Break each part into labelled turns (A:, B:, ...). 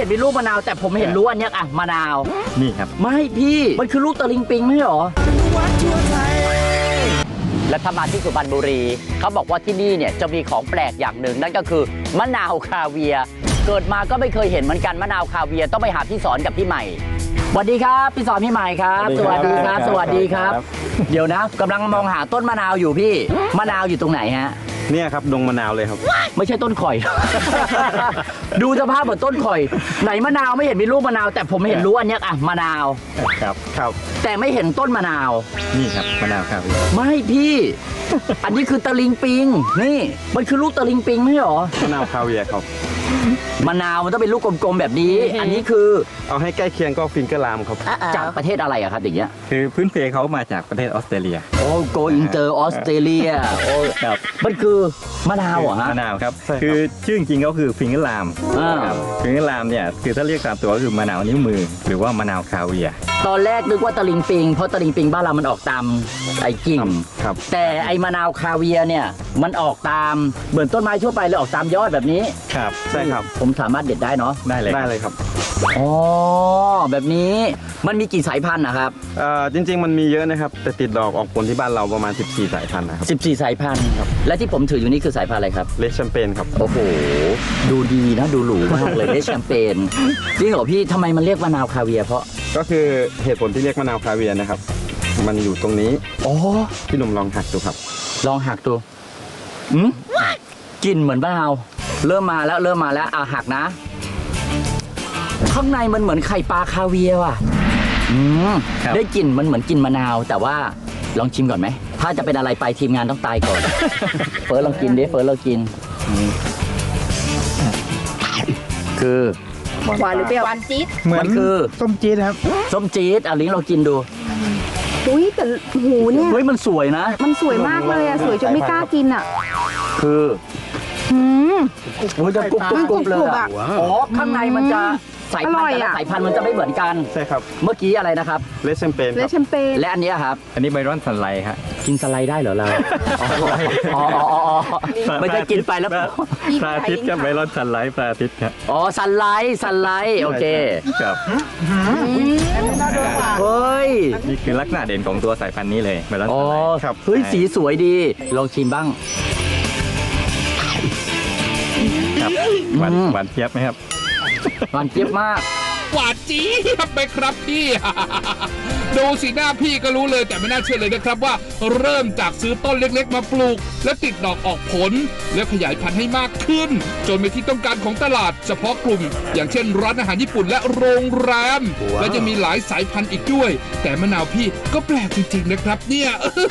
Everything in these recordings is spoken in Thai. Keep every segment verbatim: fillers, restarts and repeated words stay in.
A: ห็นเป็นลูกมะนาวแต่ผมเห็นรู้อันเนี้ยอะมะนาว
B: นี่ครับ
A: ไม่พี่มันคือลูกตะลิงปิงไม่ใช่หรอและถ้ามาที่สุพรรณบุรีเขาบอกว่าที่นี่เนี่ยจะมีของแปลกอย่างหนึ่งนั่นก็คือมะนาวคาเวียร์เกิดมาก็ไม่เคยเห็นเหมือนกันมะนาวคาเวียร์ต้องไปหาพี่สอนกับพี่ใหม่สวัสดีครับพี่สอนพี่ใหม่ครับสวัสดีครับสวัสดีครับเดี๋ยวนะกำลังมองหาต้นมะนาวอยู่พี่มะนาวอยู่ตรงไหนฮะ
B: เนี่ยครับดงมะนาวเลยครับ
A: ไม่ใช่ต้นข่อย ดูสภาพเหมือนต้นข่อยไหนมะนาวไม่เห็นมีลูกมะนาวแต่ผมเห็นรู้อันเนี้ยอะมะนาว
B: ครับครับ
A: แต่ไม่เห็นต้นมะนาว
B: นี่ครับมะนาวครับ
A: ไม่พี่ อันนี้คือตะลิงปิงนี่มันคือลูกตะลิงปิงไม่ใช่หรอ
B: มะนาวคาเวียร์ครับ
A: มะนาวมันต้องเป็นลูกกลมๆแบบนี้อันนี้คือ
B: เอาให้ใกล้เคียงก็ฟิงเกอร์ลามครับ
A: จากประเทศอะไรอะครับอย่างเงี้ย
B: คือพื้นเพเขามาจากประเทศออสเตรเลีย
A: โอ้โกอินเตอร์ออสเตรเลียโอ้ครับมันคือมะนาวเหรอฮะ
B: มะนาวครับคือชื่อจริงก็คือฟิงเกอร์ลามฟิงเกอร์ลามเนี่ยคือถ้าเรียกตามตัวก็คือมะนาวนิ้วมือหรือว่ามะนาวคาเวียร์
A: ตอนแรกนึกว่าตะลิงปิงเพราะตะลิงปิงบ้านเรามันออกตามไอ้กิ่งแต่ไอ้มะนาวคาเวียร์เนี่ยมันออกตามเหมือนต้นไม้ทั่วไปเลยออกตามยอดแบบนี้
B: ครับใช่ครับ
A: ผมสามารถเด็ดได้เนาะ
B: ได้เลยได้เลยครับ
A: อ๋อแบบนี้มันมีกี่สายพันธุ์นะครับ
B: เอ่อจริงๆมันมีเยอะนะครับแต่ติดดอกออกผลที่บ้านเราประมาณสิบสี่สายพันธุ์นะครับ
A: สิบสี่สายพันธุ์ครับและที่ผมถืออยู่นี่คือสายพันธุ์อะไรครับ
B: เลชแชมเปญครับ
A: โอ้โหดูดีนะดูหรูมากเลยเลชแชมเปญจริงเหรอพี่ทำไมมันเรียกมะนาวคาเวียร์เพราะ
B: ก็คือเหตุผลที่เรียกมะนาวคาเวียร์นะครับมันอยู่ตรงนี้
A: อ๋อ
B: พี่หนุ่มลองหักดูครับ
A: ลองหักดูอืมกลิ่นเหมือนมะนาวเริ่มมาแล้วเริ่มมาแล้วอ่ะหักนะข้างในมันเหมือนไข่ปลาคาเวียร์ว่ะอืมได้กลิ่นมันเหมือนกินมะนาวแต่ว่าลองชิมก่อนไหมถ้าจะเป็นอะไรไปทีมงานต้องตายก่อน เฟิร์สลองกินดิเฟิร์สลองกินคือ
C: หวานหรือเปรี้ยวหวานจี๊ด
A: เหมือนคือ
D: ส้มจี๊ดครับ
A: ส้มจี๊ดอ่ะลิงเรากินดู
C: อุ้ยแต่หูเนี่ย
A: เฮ้ยมันสวยนะ
C: มันสวยมากเลยอะสวยจนไม่กล้ากินอะ
A: คือ
C: อืม
A: โอ้ยจะกรุบกรุบเลยอ่ะอ๋อข้างในมันจะสายพันธุ์แต่ละสายพันธุ์มันจะไม่เหมือนกัน
B: ใช่ครับ
A: เมื่อกี้อะไรนะครับ
B: เลชแชมเปญ
C: เลชแชมเปญ
A: และอันนี้ครับ
B: อันนี้ไบรอนสันไลท์ครับ
A: กินสไลด์ได้เหรอเราอ๋ออ๋อไม่ใช่กินไปแล้ว
B: พระอาทิตย์กับไบรอนสันไลท์พระอาทิตย์ครับ
A: อ๋อสันไลท์สันไลท์โอเค
B: ครับ
A: เฮ้ย
B: นี่คือลักษณะเด่นของตัวสายพันธุ์นี้เลยไบรอนสันไลท์
A: ครับเฮ้ยสีสวยดีลองชิมบ้าง
B: ครับหวานหวานเจี๊ยบไหมครับ
A: หวานเจี๊ยบมาก
E: หวานจี๊บไปครับพี่ ดูสีหน้าพี่ก็รู้เลยแต่ไม่น่าเชื่อเลยนะครับว่าเริ่มจากซื้อต้นเล็กๆมาปลูกและติดดอกออกผลแล้วขยายพันธุ์ให้มากขึ้นจนเป็นที่ต้องการของตลาดเฉพาะกลุ่มอย่างเช่นร้านอาหารญี่ปุ่นและโรงแรม wow. และยังมีหลายสายพันธุ์อีกด้วยแต่มะนาวพี่ก็แปลกจริงๆนะครับเนี่ย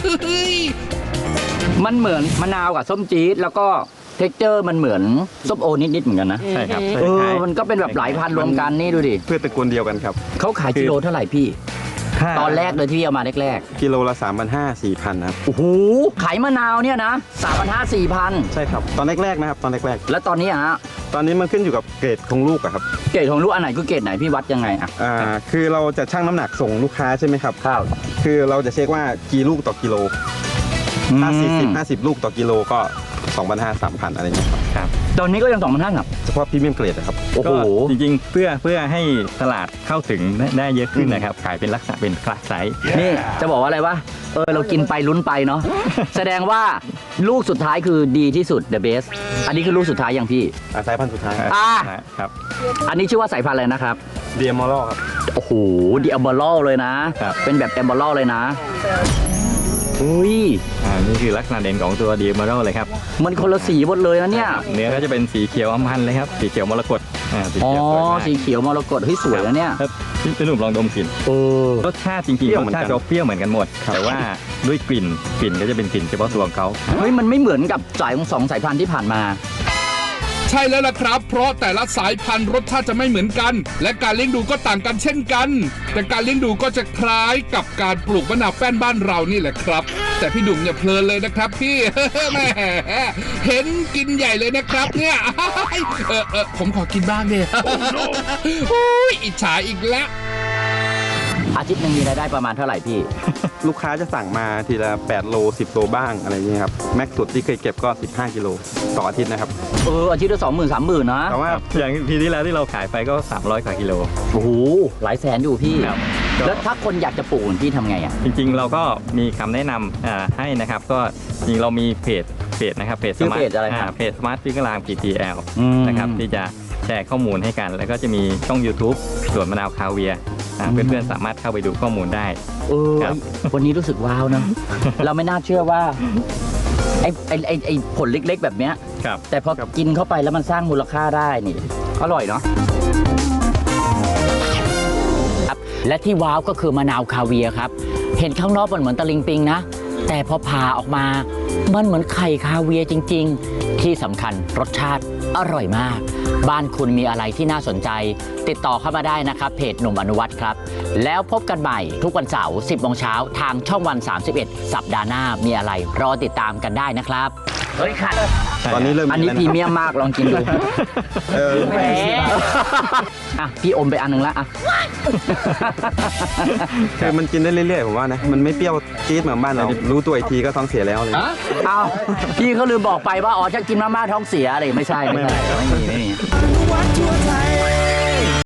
A: มันเหมือนมะนาวกับส้มจี๊ดแล้วก็เท็กเจอร์มันเหมือนส้มโอนิดๆเหมือนกันนะ
B: ใช่ครับ
A: เออมันก็เป็นแบบหลายพันรวมกันนี่ดูดิ
B: เพื่อตระกูลเดียวกันครับ
A: เขาขายกิโลเท่าไหร่พี่ตอนแรกเลยที่เอามาแรก
B: ๆกิโลละสามพันห้าสี่พันครับ
A: โอ้โหขายมะนาวเนี่ยนะสามพันห้าสี่พัน
B: ใช่ครับตอนแรกๆนะครับตอนแรก
A: ๆแล้วตอนนี้ฮะ
B: ตอนนี้มันขึ้นอยู่กับเกรดของลูกอะครับ
A: เกรดของลูกอันไหนคือเกรดไหนพี่วัดยังไงอ่ะ
B: อ่าคือเราจะชั่งน้ำหนักส่งลูกค้าใช่ไหมครับ
A: ครับ
B: คือเราจะเช็คว่ากี่ลูกต่อกิโลถ้าสี่สิบห้าสิบลูกต่อกิโลก็สองพันห้าสามพันอะไรเงี้ยครับ
A: ตอนนี้ก็ยังสองพันห้าครับ
B: เฉพาะพรีเมียมเกรดนะครับ
A: โอ้โห
B: จริงๆเพื่อเพื่อให้ตลาดเข้าถึงได้เยอะขึ้นนะครับขายเป็นลักษณะเป็นคลาสไซส์
A: นี่จะบอกว่าอะไรวะเออเรากินไปลุ้นไปเนาะแสดงว่าลูกสุดท้ายคือดีที่สุด the best อันนี้คือลูกสุดท้ายอย่างพี่
B: สายพันธุ์สุดท้าย
A: อ่า
B: ครับ
A: อันนี้ชื่อว่าสายพันธุ์อะไรนะครับ
B: เดียมอลครับ
A: โอ้โหเดียมอลเลยนะเป็นแบบแอมบอลเลยนะอุ้ย
B: อ่านี่คือลักษณะเด่นของตัวเดียมอลเลยครับ
A: มันคนละสีหมดเลยนะเนี่ย
B: เนื้อก็จะเป็นสีเขียวอมพันเลยครับสีเขียวมรกต
A: อ่าอ๋อสีเขียวมรกตเฮ้ยสวยนะเนี่ย
B: พี่หนุ่มลองดมกลิ่น
A: เออ
B: รสชาติจริงๆรสชาติเปรี้ยวเหมือนกันหมดแต่ว่าด้วยกลิ่นกลิ่นก็จะเป็นกลิ่นเฉพาะตัวของเขา
A: เฮ้ยมันไม่เหมือนกับสายของสองสายพันธุ์ที่ผ่านมา
E: ใช่แล้วล่ะครับเพราะแต่ละสายพันธุ์รสชาติจะไม่เหมือนกันและการเลี้ยงดูก็ต่างกันเช่นกันแต่การเลี้ยงดูก็จะคล้ายกับการปลูกมะนาวแป้นบ้านเรานี่แหละครับแต่พี่ดุ่มอย่าเพลินเลยนะครับพี่ แม่เห็นกินใหญ่เลยนะครับเนี่ยเออเออผมขอกินบ้างเนี่ยโอ้ยอิจฉาอีกแล้ว
A: อาทิตย์หนึ่งมีรายได้ประมาณเท่าไหร่พี่
B: ลูกค้าจะสั่งมาทีละแปดโลสิบโลบ้างอะไรอย่างเงี้ยครับแม็กซ์สุดที่เคยเก็บก็สิบห้ากิโลต่ออาทิตย์นะครับ
A: เอออาทิตย์ละสองหมื่นสามหมื่นนะ
B: แต่ว่าอย่างปีที่แล้วที่เราขายไปก็สามร้อยกว่ากิโล
A: โอ้โหหลายแสนอยู่พี่
B: ครับ
A: แล้วถ้าคนอยากจะปลูกพี่ทำไงอ่ะ
B: จริงๆเราก็มีคำแนะนำอ่าให้นะครับก็จริงเรามีเพจเพจนะครับเพจ
A: ชื่อเพจอะไรครับ
B: เพจสมาร์ทฟิกลาม พี ที แอล
A: อืม
B: นะครับที่จะแชร์ข้อมูลให้กัน แล้วก็จะมีช่อง YouTube สวนมะนาวคาเวียร์อ่า
A: อืม
B: เพื่อนๆสามารถเข้าไปดูข้อมูลได้
A: เออ
B: ครับ
A: วันนี้รู้สึกว้าวนะ เราไม่น่าเชื่อว่าไอ้ไอ้ไอ้ไอ้ผลเล็กๆแบบเนี้ย
B: ครับ
A: แต่พอกินเข้าไปแล้วมันสร้างมูลค่าได้นี่อร่อยเนาะครับและที่ว้าวก็คือมะนาวคาเวียร์ครับ เห็นข้างนอกมันเหมือนตะลิงปิงนะ แต่พอผ่าออกมามันเหมือนไข่คาเวียร์จริง ๆ ที่สำคัญรสชาติอร่อยมาก บ้านคุณมีอะไรที่น่าสนใจ ติดต่อเข้ามาได้นะครับเพจหนุ่มอนุวัฒน์ครับ แล้วพบกันใหม่ทุกวันเสาร์สิบโมงเช้าทางช่องวันสามสิบเอ็ดสัปดาห์หน้ามีอะไรรอติดตามกันได้นะครับเฮ้ยค่ะ
D: ตอนนี้เริ่ม
A: อันนี้พ
D: มี
A: รี
D: แล้วะ
A: เมียมมากลองกินดู
D: เออ
A: แหมอ่ะพี่อมไปอันหนึงละอ่ะ
D: คือมันกินได้เรื่อยๆผมว่านะ มันไม่เปรี้ยวจี๊ดเหมือนบ้านเรา รู้ตัวอีกทีก็ท้องเสียแล้วเลย
A: อ้าวพี่เขาลืมบอกไปว่าอ๋อจะกินมาม่าท้องเสียอะไรไม่ใช่ไม่ใช่ไม่มีไม่มี
F: วัดทั่วไทย